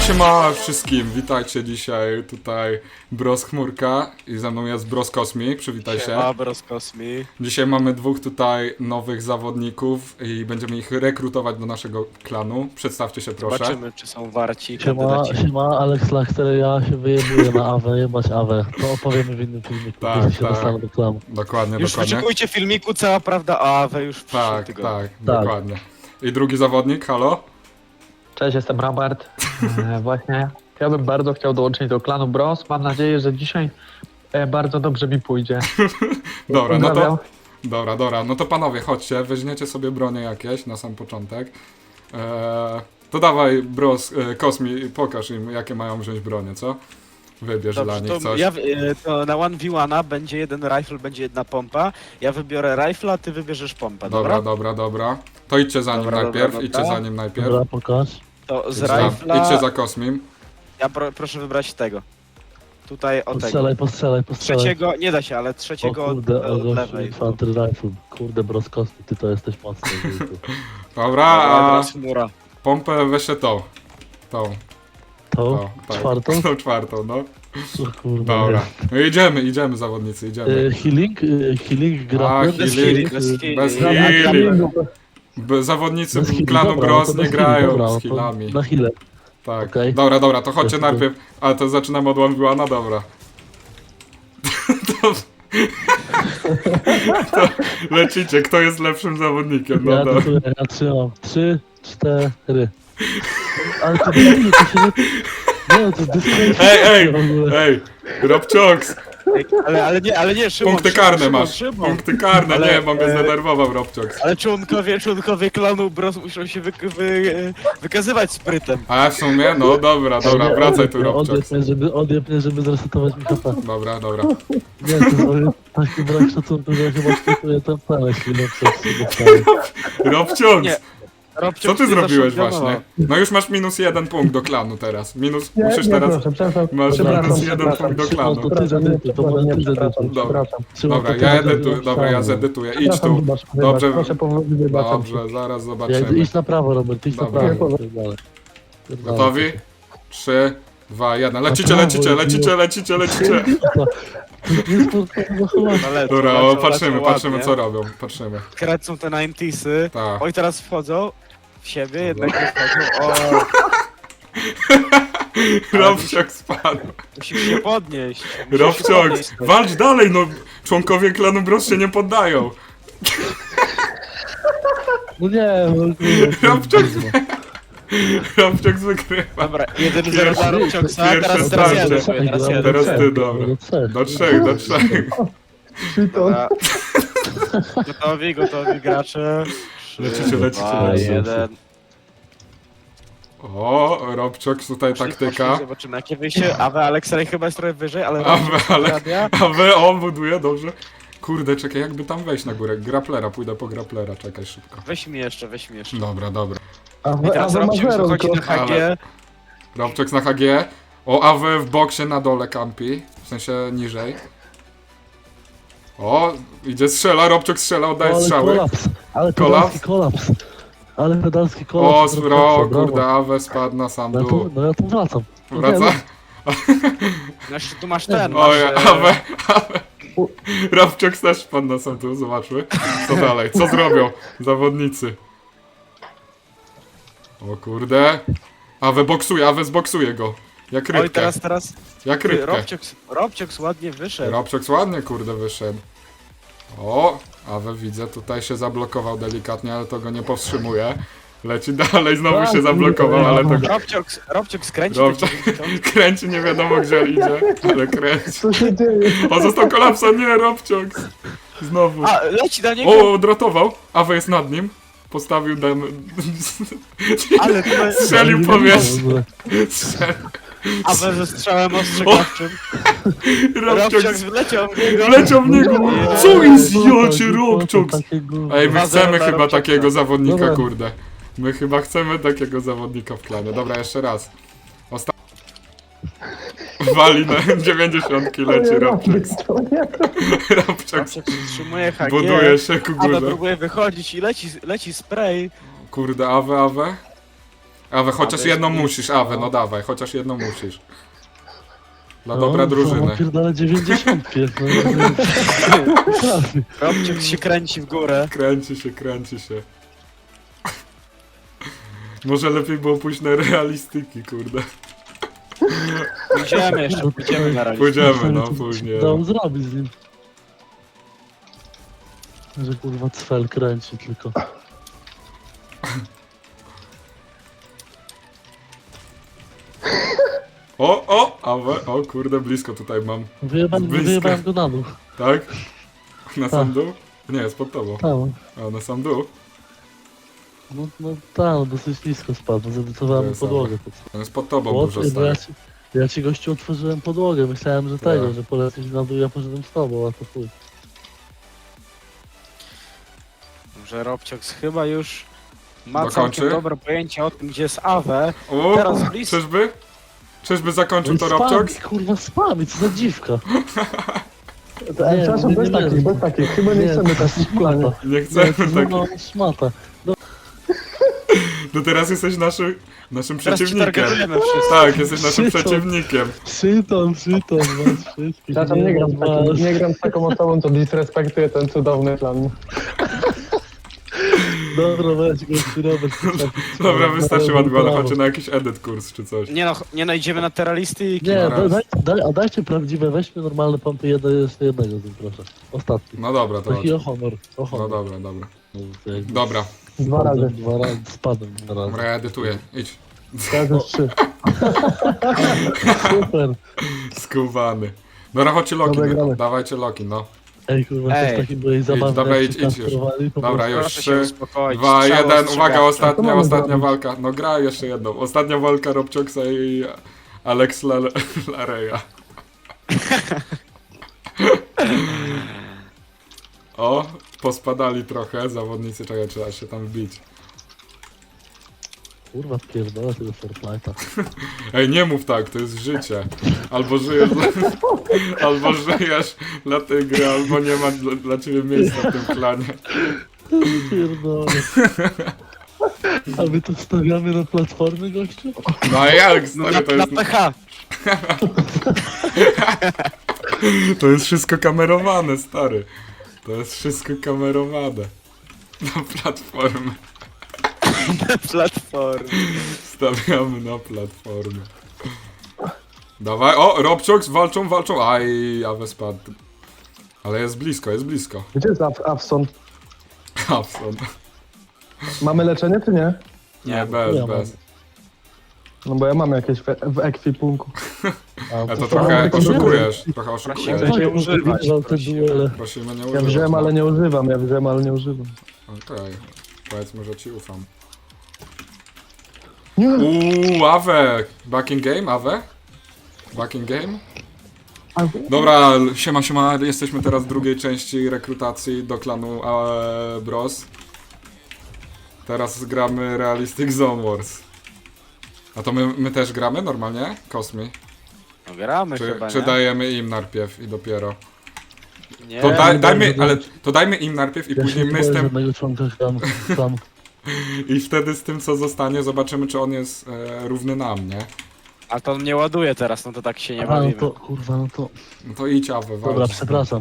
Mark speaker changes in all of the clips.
Speaker 1: Siema wszystkim, witajcie dzisiaj tutaj Bros Chmurka i ze mną jest Bros Kosmi, przywitaj się.
Speaker 2: Siema, Bros Kosmi.
Speaker 1: Dzisiaj mamy dwóch tutaj nowych zawodników i będziemy ich rekrutować do naszego klanu. Przedstawcie się proszę.
Speaker 2: Zobaczymy, czy są warci
Speaker 3: Siema,
Speaker 2: kandydaci.
Speaker 3: siema, Alex Lachter, ja się wyjebuję na Awę, jebać Awę. To opowiemy w innym filmiku,
Speaker 1: Tak,
Speaker 3: kiedy się
Speaker 1: tak.
Speaker 3: dostanę do klanu.
Speaker 1: Dokładnie,
Speaker 2: Już
Speaker 1: dokładnie.
Speaker 2: wyczekujcie filmiku, cała prawda o Awe już w przyszłym
Speaker 1: Tak,
Speaker 2: tygodniu.
Speaker 1: tak, dokładnie. I drugi zawodnik, halo?
Speaker 4: Cześć, jestem Robert. Właśnie ja bym bardzo chciał dołączyć do klanu Bros. Mam nadzieję, że dzisiaj bardzo dobrze mi pójdzie.
Speaker 1: Dobra, no to...
Speaker 4: Pozdrawiam.
Speaker 1: Dobra, no to panowie, chodźcie, weźmiecie sobie bronie jakieś na sam początek. To dawaj, Bros, Kosmi, pokaż im, jakie mają wziąć bronie, co? Wybierz dla
Speaker 2: Dobrze,
Speaker 1: nich
Speaker 2: to,
Speaker 1: coś.
Speaker 2: to na 1v1 będzie jeden rifle, będzie jedna pompa. Ja wybiorę rifle, a ty wybierzesz pompę, dobra?
Speaker 1: Dobra. To idźcie za nim
Speaker 2: Dobra,
Speaker 1: najpierw,
Speaker 2: dobra.
Speaker 1: idźcie za nim najpierw.
Speaker 3: Dobra, pokaż.
Speaker 2: To z
Speaker 1: Idźcie
Speaker 2: rifla...
Speaker 1: idźcie za Kosmim.
Speaker 2: Ja proszę wybrać tego. Tutaj o tego.
Speaker 3: Postrzelaj.
Speaker 2: Trzeciego, nie da się, ale
Speaker 3: O
Speaker 2: trzeciego
Speaker 3: kurde,
Speaker 2: od
Speaker 3: o gościu,
Speaker 2: lewej.
Speaker 3: Infantry Rifle. Kurde, Broskowski, ty to jesteś mocny. wujku.
Speaker 1: Dobra, a
Speaker 2: teraz chmura.
Speaker 1: pompę weźcie tą.
Speaker 3: To?
Speaker 1: Tak.
Speaker 3: Czwartą?
Speaker 1: Tą czwartą, no.
Speaker 3: O kurde.
Speaker 1: Dobra. No idziemy zawodnicy, idziemy.
Speaker 3: Healing, grappler.
Speaker 1: A,
Speaker 2: Bez
Speaker 1: healing.
Speaker 2: healing.
Speaker 1: Bez
Speaker 2: Ja-
Speaker 1: healing. Zawodnicy
Speaker 3: Bez healing,
Speaker 1: klanu
Speaker 3: dobra,
Speaker 1: Bros
Speaker 3: to
Speaker 1: nie
Speaker 3: bez healing,
Speaker 1: grają
Speaker 3: dobra,
Speaker 1: z
Speaker 3: to
Speaker 1: healami.
Speaker 3: Na healę.
Speaker 1: Tak.
Speaker 3: okej.
Speaker 1: Dobra, to chodźcie
Speaker 3: Jest
Speaker 1: najpierw. Ale to zaczynamy od one dobra. to lecicie, kto jest lepszym zawodnikiem? No
Speaker 3: Ja
Speaker 1: dobra.
Speaker 3: trzymam. 3, 4. Ale to nie, to się nie... Nie, to
Speaker 1: Ej,
Speaker 3: w ogóle.
Speaker 1: Robcioks,
Speaker 2: Ale nie, Szymon,
Speaker 1: punkty
Speaker 2: Szymon,
Speaker 1: karne
Speaker 2: Szymon,
Speaker 1: masz.
Speaker 2: Szymon.
Speaker 1: Punkty karne,
Speaker 2: Ale,
Speaker 1: nie, bo mnie zdenerwował Robcioks.
Speaker 2: Ale członkowie klanu Bros muszą się wykazywać sprytem.
Speaker 1: A w sumie, no dobra,
Speaker 3: Nie,
Speaker 1: wracaj tu
Speaker 3: odjeb
Speaker 1: Robcioks.
Speaker 3: mnie, żeby zresetować mi HP.
Speaker 1: Dobra.
Speaker 3: Nie, to jest taki brak szacunku, że chyba skutuje ten całe chwilę przez siebie.
Speaker 1: Robcioks,
Speaker 2: Nie, Robcio,
Speaker 1: co ty zrobiłeś
Speaker 2: zaszokowała.
Speaker 1: właśnie? No już masz minus 1 punkt do klanu teraz. Musisz teraz...
Speaker 4: Przepraszam.
Speaker 1: Masz
Speaker 3: Dobra,
Speaker 1: minus
Speaker 4: przepraszam,
Speaker 1: 1 punkt do
Speaker 3: Szymon,
Speaker 1: klanu.
Speaker 3: to ty zedytuj, to może ty zedytuj.
Speaker 1: Dobra, ja edytuję, dobra, ja zedytuję. Idź tu. Dobrze.
Speaker 4: Proszę powoli wybaczam.
Speaker 1: Dobrze, zaraz
Speaker 3: Ja
Speaker 1: zobaczymy.
Speaker 3: idź na prawo, Robert, idź na
Speaker 1: Dobra.
Speaker 3: prawo.
Speaker 1: Gotowi? 3, 2, 1. Lecicie.
Speaker 3: prawo,
Speaker 2: No lecą,
Speaker 1: Dobra,
Speaker 2: lecą,
Speaker 1: patrzymy,
Speaker 2: lecą ładnie.
Speaker 1: co robią, patrzymy.
Speaker 2: Kręcą te 90sy.
Speaker 1: Tak.
Speaker 2: Oj, teraz wchodzą w siebie, jednak nie wchodzą. O,
Speaker 1: Robciok spadł.
Speaker 2: musisz się podnieść. musisz się
Speaker 1: Robciok,
Speaker 2: podnieść.
Speaker 1: walcz dalej, no. Członkowie klanu Bros się nie poddają.
Speaker 3: No nie,
Speaker 1: Robciok Robciok wygrywa.
Speaker 2: Dobra, 1-0 dla Robcioksa,
Speaker 1: pierwsze
Speaker 2: teraz
Speaker 1: starcie.
Speaker 2: ja decyduję, teraz ja
Speaker 1: Teraz
Speaker 2: decyduję.
Speaker 1: ty, dobra.
Speaker 3: Do
Speaker 1: 3.
Speaker 2: Dobra. Gotowi gracze.
Speaker 1: Lecicie.
Speaker 2: 2, 1.
Speaker 1: O, Robciok, tutaj taktyka.
Speaker 2: Zobaczymy jakie wyjście. Awe Alexej chyba jest trochę wyżej, ale...
Speaker 1: A wy, on buduje, dobrze. Kurde, czekaj, jakby tam wejść na górę. Graplera, pójdę po graplera, czekaj szybko.
Speaker 2: Weź mi jeszcze.
Speaker 1: Dobra.
Speaker 2: I teraz Robciok wychodzi na HG.
Speaker 1: Robciok na HG. O, AW w boksie na dole kampi. W sensie niżej. O, idzie Robciok strzela, oddaje strzały.
Speaker 3: Ale
Speaker 1: Kolaps?
Speaker 3: pedalski kolaps. Ale pedalski
Speaker 1: O,
Speaker 3: kolaps.
Speaker 1: kurde, AW spadł na sam dół.
Speaker 3: No ja tu wracam.
Speaker 1: Wraca?
Speaker 2: Znaczy tu masz ten,
Speaker 1: Oj,
Speaker 2: masz...
Speaker 1: AW. Robciok też spadł na sam dół, zobaczmy. Co dalej, co zrobią zawodnicy.
Speaker 2: Oj,
Speaker 1: kurde. AW zboksuje go. Jak rybkę.
Speaker 2: teraz...
Speaker 1: Jak rybkę.
Speaker 2: Robcioks ładnie wyszedł.
Speaker 1: Robcioks ładnie, kurde, wyszedł. O, Awe widzę, tutaj się zablokował delikatnie, ale to go nie powstrzymuje. Leci dalej, znowu się zablokował, ale to go...
Speaker 2: Robcioks kręci.
Speaker 1: Robciok kręci, nie wiadomo gdzie idzie, ale kręci.
Speaker 4: Co się dzieje?
Speaker 1: O, został kolapsa, nie, Robcioks. Znowu.
Speaker 2: A, leci na niego!
Speaker 1: O, odratował. Awe jest nad nim. Postawił
Speaker 2: Ale to jest...
Speaker 1: Strzelił powierzchnię.
Speaker 2: Awe ze strzałem ostrzegawczym. Robcioks wleciał w niego.
Speaker 1: Wleciał w niego. Co jest, jocie,
Speaker 3: No,
Speaker 1: Robcioks? Ej, my
Speaker 2: 2-0
Speaker 1: chcemy
Speaker 2: dla
Speaker 1: chyba
Speaker 2: Robcioksa.
Speaker 1: takiego zawodnika,
Speaker 3: Dobra.
Speaker 1: kurde. My chyba chcemy takiego zawodnika w klanie. Dobra, jeszcze raz. Wali na 90 leci Robcioks. Robcioks
Speaker 2: Robcioks utrzymuje HG.
Speaker 1: buduje się ku
Speaker 2: Awe
Speaker 1: górze.
Speaker 2: próbuje wychodzić i leci spray.
Speaker 1: Kurde, Awe. Awe, chociaż
Speaker 2: Awe
Speaker 1: jedną
Speaker 2: jest
Speaker 1: musisz,
Speaker 2: blisko.
Speaker 1: Awe, no dawaj, chociaż jedną musisz. Dla dobra drużyny.
Speaker 3: Pierdolę 90.
Speaker 2: Robciuk się kręci w górę.
Speaker 1: Kręci się. Może lepiej było pójść na realistyki, kurde.
Speaker 2: Pójdziemy na razie.
Speaker 1: Pójdziemy, no później.
Speaker 3: Dał zrobić z nim. Że kurwa cfel kręci tylko.
Speaker 1: Awe, o kurde, blisko tutaj mam.
Speaker 3: Wyjebałem go na dół.
Speaker 1: Tak? Na sam
Speaker 3: Tak.
Speaker 1: dół? Nie, jest pod tobą.
Speaker 3: Tam.
Speaker 1: A, na sam dół?
Speaker 3: No tam, dosyć nisko spadł. Zedytowałem
Speaker 1: To jest
Speaker 3: podłogę.
Speaker 1: On jest pod tobą
Speaker 3: Bo
Speaker 1: dużo
Speaker 3: ja,
Speaker 1: stoi.
Speaker 3: ja ci gościu otworzyłem podłogę. Myślałem, że tego,
Speaker 1: Tak.
Speaker 3: że polecisz na dół, ja poszedłem z tobą, a to chuj.
Speaker 2: Że Robciuk chyba już ma
Speaker 1: Dokończy?
Speaker 2: całkiem dobre pojęcie o tym, gdzie jest Awe.
Speaker 1: O,
Speaker 2: Teraz blisko.
Speaker 1: czyżby? Czyżby zakończył to
Speaker 3: Spam,
Speaker 1: Robcioks?
Speaker 3: kurwa spami, co za dziwka.
Speaker 5: Przepraszam, bez takich. Chyba nie chcemy takich w planie.
Speaker 1: Nie
Speaker 3: Nie,
Speaker 1: chcemy
Speaker 3: to
Speaker 1: tak.
Speaker 3: no, szmata.
Speaker 1: No teraz jesteś naszym
Speaker 2: Teraz ci
Speaker 1: przeciwnikiem.
Speaker 2: targetujemy wszyscy.
Speaker 1: Tak, jesteś naszym
Speaker 3: Przytom.
Speaker 1: przeciwnikiem.
Speaker 3: Przytom, was wszystkich.
Speaker 5: Przepraszam, nie gram z taką osobą, co disrespektuje ten cudowny plan.
Speaker 3: Dobra, weź gościu, Robert.
Speaker 1: Dobra, wystarczy Ładwala, chodźcie na jakiś edit kurs czy coś.
Speaker 2: Nie no, nie najdziemy na terralistyki.
Speaker 3: Nie,
Speaker 1: raz.
Speaker 3: dajcie prawdziwe, weźmy normalne pompy, jeszcze jednego z nim, proszę. Ostatni.
Speaker 1: No dobra, to chodź.
Speaker 3: Taki o honor. O
Speaker 1: No
Speaker 3: honor.
Speaker 1: dobra, dobra.
Speaker 3: Jakby
Speaker 1: Dobra,
Speaker 5: Dwa razy.
Speaker 3: Dwa razy, spadłem dwa razy.
Speaker 1: dobra, ja edytuję. Idź.
Speaker 5: Razy 3.
Speaker 3: Super.
Speaker 1: Skubany. Dobra, chodźcie Loki,
Speaker 5: Dobra, gramy.
Speaker 1: dawajcie Loki, no.
Speaker 3: Ej, kurwa, to
Speaker 2: Ej.
Speaker 3: jest taki byłej zabawny,
Speaker 1: dawaj,
Speaker 3: jak
Speaker 1: idź,
Speaker 3: się
Speaker 1: idź już.
Speaker 3: kastrowali, po
Speaker 1: Dobra,
Speaker 3: prostu.
Speaker 1: już.
Speaker 2: Proszę się
Speaker 1: 3,
Speaker 2: uspokoić.
Speaker 1: 2,
Speaker 2: Strzał
Speaker 1: 1, uwaga,
Speaker 2: ostrzegawczy.
Speaker 5: To
Speaker 1: ostatnia
Speaker 5: mamy zrobić.
Speaker 1: walka. No gra jeszcze jedną. Ostatnia walka Robcioksa i Alex Lareya. O, pospadali trochę zawodnicy, czekaj, trzeba się tam wbić.
Speaker 3: Kurwa, pierdolę tego Fortnite'a.
Speaker 1: Ej, nie mów tak, to jest życie. Albo żyjesz albo żyjesz dla tej gry, albo nie ma dla ciebie miejsca w tym klanie.
Speaker 3: Pierdolę. A my to stawiamy na platformy, gościu?
Speaker 1: No a jak,
Speaker 2: No,
Speaker 1: stary, to
Speaker 2: na
Speaker 1: jest,
Speaker 2: PH.
Speaker 1: to jest wszystko kamerowane, stary. To jest wszystko kamerowane. Na platformę.
Speaker 2: Platform.
Speaker 1: Stawiamy na platformę. Dawaj, o, Robcioks, walczą. Aj, Awe spadł. Ale jest blisko.
Speaker 5: Gdzie jest Awson?
Speaker 1: Hapson.
Speaker 5: Mamy leczenie, czy nie?
Speaker 1: Nie, bez.
Speaker 5: No bo ja mam jakieś w ekwipunku.
Speaker 1: A to
Speaker 3: co
Speaker 1: trochę
Speaker 3: mamy?
Speaker 1: oszukujesz, trochę oszukujesz.
Speaker 2: Prosimy. Nie używać,
Speaker 3: Wygrał te
Speaker 2: prosimy.
Speaker 3: duele.
Speaker 1: Prosimy nie
Speaker 5: Ja
Speaker 1: używać.
Speaker 5: wziąłem, ale nie używam.
Speaker 1: Okej, powiedzmy, że ci ufam.
Speaker 5: Nie.
Speaker 1: Awe! Back in game, Awe? Back in game? Dobra, siema, jesteśmy teraz w drugiej części rekrutacji do klanu Bros. Teraz gramy Realistic Zone Wars. A to my też gramy normalnie? Kosmi?
Speaker 2: No gramy chyba,
Speaker 1: Czy
Speaker 2: nie?
Speaker 1: dajemy im najpierw i dopiero?
Speaker 2: Nie.
Speaker 1: To,
Speaker 3: nie
Speaker 1: dajmy,
Speaker 3: będę
Speaker 1: ale to dajmy im najpierw i
Speaker 3: Ja
Speaker 1: później
Speaker 3: się
Speaker 1: my
Speaker 3: nie
Speaker 1: z
Speaker 3: boję
Speaker 1: tym...
Speaker 3: żadnego członka tam.
Speaker 1: I wtedy z tym co zostanie zobaczymy czy on jest równy nam, nie?
Speaker 2: A to on nie ładuje teraz, no to tak się nie
Speaker 3: A, no
Speaker 2: bawimy.
Speaker 3: to, kurwa, no to...
Speaker 1: No to idź Awe, walcz.
Speaker 3: Dobra, przepraszam.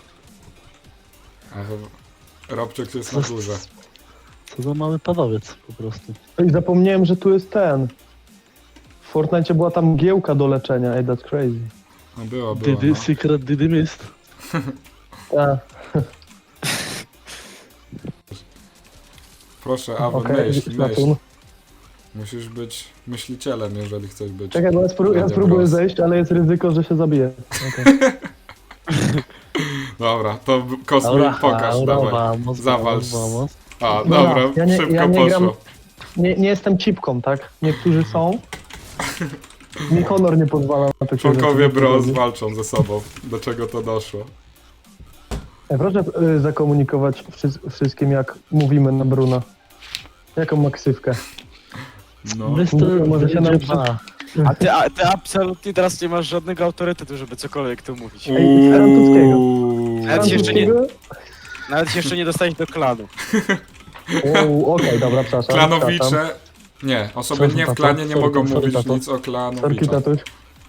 Speaker 1: Robczyk jest na górze.
Speaker 3: Co za mały panowiec, po prostu.
Speaker 5: I zapomniałem, że tu jest ten. W Fortnite była tam giełka do leczenia. Ej, that's crazy.
Speaker 1: No było,
Speaker 3: Didy,
Speaker 1: no.
Speaker 3: secret Didy Mist.
Speaker 5: A,
Speaker 1: Proszę, Awe,
Speaker 5: okej,
Speaker 1: myśl.
Speaker 5: Saturn.
Speaker 1: Musisz być myślicielem, jeżeli chcesz być.
Speaker 5: Czekaj, bo ja
Speaker 1: Będzie
Speaker 5: spróbuję
Speaker 1: Bros.
Speaker 5: zejść, ale jest ryzyko, że się zabiję. Okay.
Speaker 1: Dobra, to Kosmi pokaż, dawaj.
Speaker 3: vamos,
Speaker 1: Zawalcz.
Speaker 3: vamos.
Speaker 1: A,
Speaker 5: Dobra,
Speaker 1: dobra,
Speaker 5: ja nie-
Speaker 1: szybko
Speaker 5: ja nie
Speaker 1: poszło.
Speaker 5: gram- Nie jestem cipką, tak? Niektórzy są. Mi honor nie pozwala na takie
Speaker 1: Członkowie
Speaker 5: rzeczy.
Speaker 1: Bros walczą ze sobą. Do czego to doszło?
Speaker 5: Proszę zakomunikować wszystkim, jak mówimy na Bruna. Jaką ma ksywkę?
Speaker 1: No.
Speaker 3: Mr.
Speaker 5: Może się nam
Speaker 3: dwa.
Speaker 2: A ty absolutnie teraz nie masz żadnego autorytetu, żeby cokolwiek tu mówić.
Speaker 5: Ej, francuskiego.
Speaker 2: Nawet się jeszcze nie,
Speaker 5: Francuskiego?
Speaker 2: nawet się jeszcze nie dostałeś do klanu.
Speaker 5: Okej, dobra, przepraszam.
Speaker 1: Klanowicze Nie, osoby
Speaker 3: Sorry,
Speaker 1: nie w
Speaker 3: tato.
Speaker 1: klanie nie
Speaker 3: Sorry,
Speaker 1: mogą
Speaker 3: sorry,
Speaker 1: mówić
Speaker 3: tato.
Speaker 1: nic o
Speaker 5: Sorki,
Speaker 1: klanowiczach.
Speaker 5: tatuś.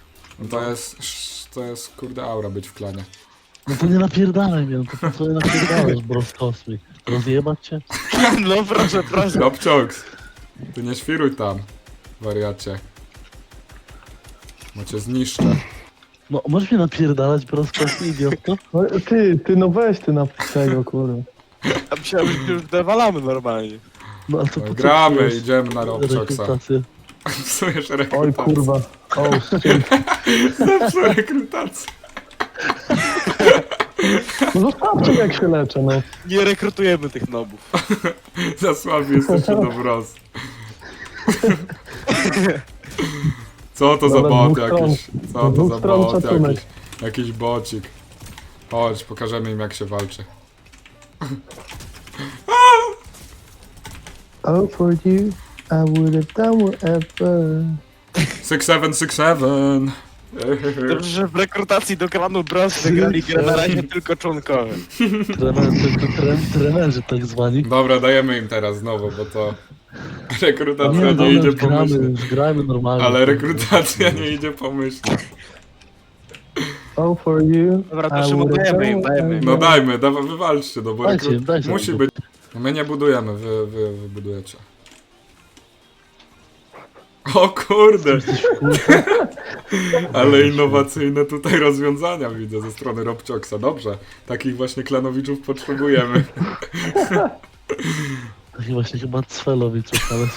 Speaker 1: To jest kurde aura być w klanie.
Speaker 3: No to nie napierdalaj mnie, no to po co nie napierdalasz, bro, w kosmik? Rozjebać cię?
Speaker 2: No proszę.
Speaker 1: Robcioks, ty nie świruj tam, wariacie. Bo cię zniszczę.
Speaker 3: No, możesz mnie napierdalać, bro, w kosmik, idiotko?
Speaker 5: No, ty, no weź ty na tego, kurwa.
Speaker 2: Ja myślałem, że już dewalamy normalnie.
Speaker 3: No, ale to
Speaker 1: No,
Speaker 3: po co
Speaker 1: gramy,
Speaker 3: psujesz
Speaker 1: idziemy na Robcioksa.
Speaker 3: rekrutację?
Speaker 1: Psujesz
Speaker 5: Oj,
Speaker 1: rekrutację.
Speaker 5: kurwa. O, shit.
Speaker 1: Zepsuł rekrutację.
Speaker 5: No zostawcie jak się leczę, no.
Speaker 2: Nie rekrutujemy tych nobów.
Speaker 1: Za słabi jesteście do Bros. Co to za
Speaker 5: Dobra,
Speaker 1: bot
Speaker 5: dwóch stron.
Speaker 1: jakiś? Co to
Speaker 5: Dwóch
Speaker 1: za
Speaker 5: stron
Speaker 1: bot
Speaker 5: szacunek.
Speaker 1: jakiś? Jakiś bocik. Chodź, pokażemy im jak się walczy.
Speaker 5: Oh, for you, I would have done whatever.
Speaker 1: 6767.
Speaker 2: Dobrze, że w rekrutacji do klanu Bros wygrali grę na razie tylko członkowie.
Speaker 3: Trenerzy tak zwani.
Speaker 1: Dobra, dajemy im teraz znowu, bo to rekrutacja
Speaker 3: Nie,
Speaker 1: nie
Speaker 3: dobra,
Speaker 1: idzie
Speaker 3: już gramy,
Speaker 1: pomyślnie.
Speaker 3: już gramy normalnie.
Speaker 1: Ale rekrutacja nie idzie pomyślnie.
Speaker 5: Oh, for you,
Speaker 2: Dobra, to
Speaker 5: I
Speaker 2: Szymon,
Speaker 5: would have
Speaker 2: dajemy im,
Speaker 5: done
Speaker 2: dajemy im.
Speaker 1: No dajmy, wywalczcie, no bo
Speaker 3: Dajcie im,
Speaker 1: rekrut...
Speaker 3: dajcie
Speaker 1: musi
Speaker 3: im.
Speaker 1: być. My nie budujemy, wy budujecie. O kurde! Ale innowacyjne tutaj rozwiązania widzę ze strony Robcioksa. Dobrze, takich właśnie klanowiczów potrzebujemy.
Speaker 3: Taki właśnie chyba Cwelowiczów, ale...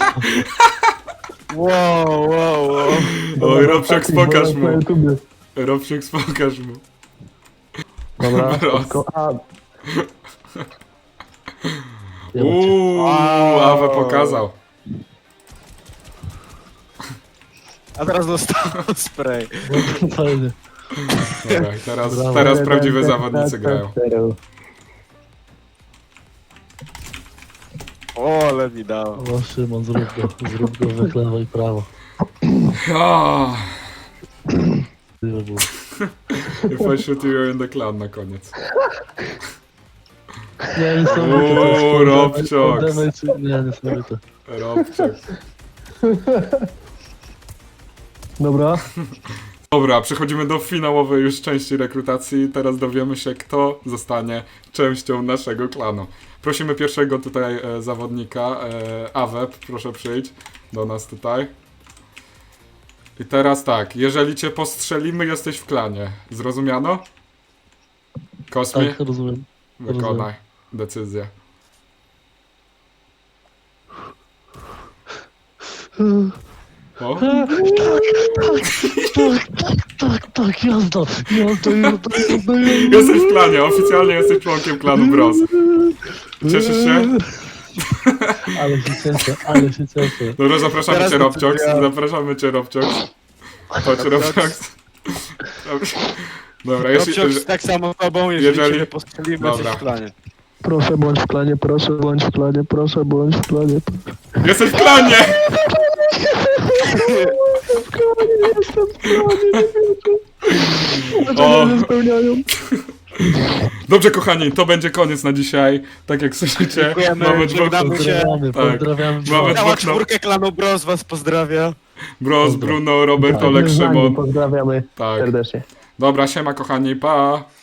Speaker 2: Wow.
Speaker 1: Oj, Robcioks, pokaż
Speaker 5: Na
Speaker 1: mu.
Speaker 5: YouTubie.
Speaker 1: Robcioks, pokaż mu.
Speaker 5: Dobra,
Speaker 1: Raz.
Speaker 5: tylko,
Speaker 1: Uuu, Awe pokazał.
Speaker 2: A teraz dostał spray.
Speaker 3: Fajnie.
Speaker 1: Dobra, i teraz
Speaker 3: Brawo.
Speaker 1: prawdziwe zawodnicy grają.
Speaker 2: O, ale mi dało.
Speaker 3: O, Szymon, zrób go we lewo i prawo.
Speaker 1: Ah,
Speaker 3: Tyle było.
Speaker 1: if I shoot you in the clan na koniec.
Speaker 3: Nie, niesamowite. to jest
Speaker 1: Uuu,
Speaker 3: full
Speaker 1: Robcioks.
Speaker 3: damage, nie, niesamowite.
Speaker 1: Robcioks.
Speaker 5: Dobra,
Speaker 1: Dobra, przechodzimy do finałowej już części rekrutacji. Teraz dowiemy się, kto zostanie częścią naszego klanu. Prosimy pierwszego tutaj zawodnika, Aweb, proszę przyjść do nas tutaj. I teraz tak, jeżeli cię postrzelimy, jesteś w klanie. Zrozumiano? Kosmi,
Speaker 3: Tak, rozumiem.
Speaker 1: wykonaj decyzję. O?
Speaker 3: Tak, jazda.
Speaker 1: Jesteś w klanie, oficjalnie jesteś członkiem klanu Bros. Cieszysz się?
Speaker 3: Ale się cieszę.
Speaker 1: Dobra, zapraszamy
Speaker 2: Teraz
Speaker 1: cię, Robcioks.
Speaker 2: decyzja.
Speaker 1: Zapraszamy cię, Robcioks. Chodź, Robcioks. Dobra,
Speaker 2: Robcioks tak samo z tobą, jeżeli
Speaker 1: jeżeli-
Speaker 2: ciebie postrzelimy,
Speaker 1: Dobra.
Speaker 2: jesteś w planie.
Speaker 5: proszę bądź w planie, proszę bądź w planie, proszę bądź w planie.
Speaker 1: Jesteś w klanie! O,
Speaker 5: Nie spełniają.
Speaker 1: dobrze, kochani, to będzie koniec na dzisiaj. Tak jak słyszycie,
Speaker 2: Dziękujemy,
Speaker 1: mamy dwóch...
Speaker 2: żegnamy.
Speaker 3: Pozdrawiamy,
Speaker 1: Tak.
Speaker 3: pozdrawiamy.
Speaker 1: Mamy
Speaker 2: Cała
Speaker 1: dwóch
Speaker 2: czwórkę klanu Bros was pozdrawia.
Speaker 1: Bros, Bruno, Robert, Olek,
Speaker 5: Z nami
Speaker 1: Szymon.
Speaker 5: Pozdrawiamy
Speaker 1: Tak.
Speaker 5: serdecznie.
Speaker 1: Dobra, siema, kochani, pa!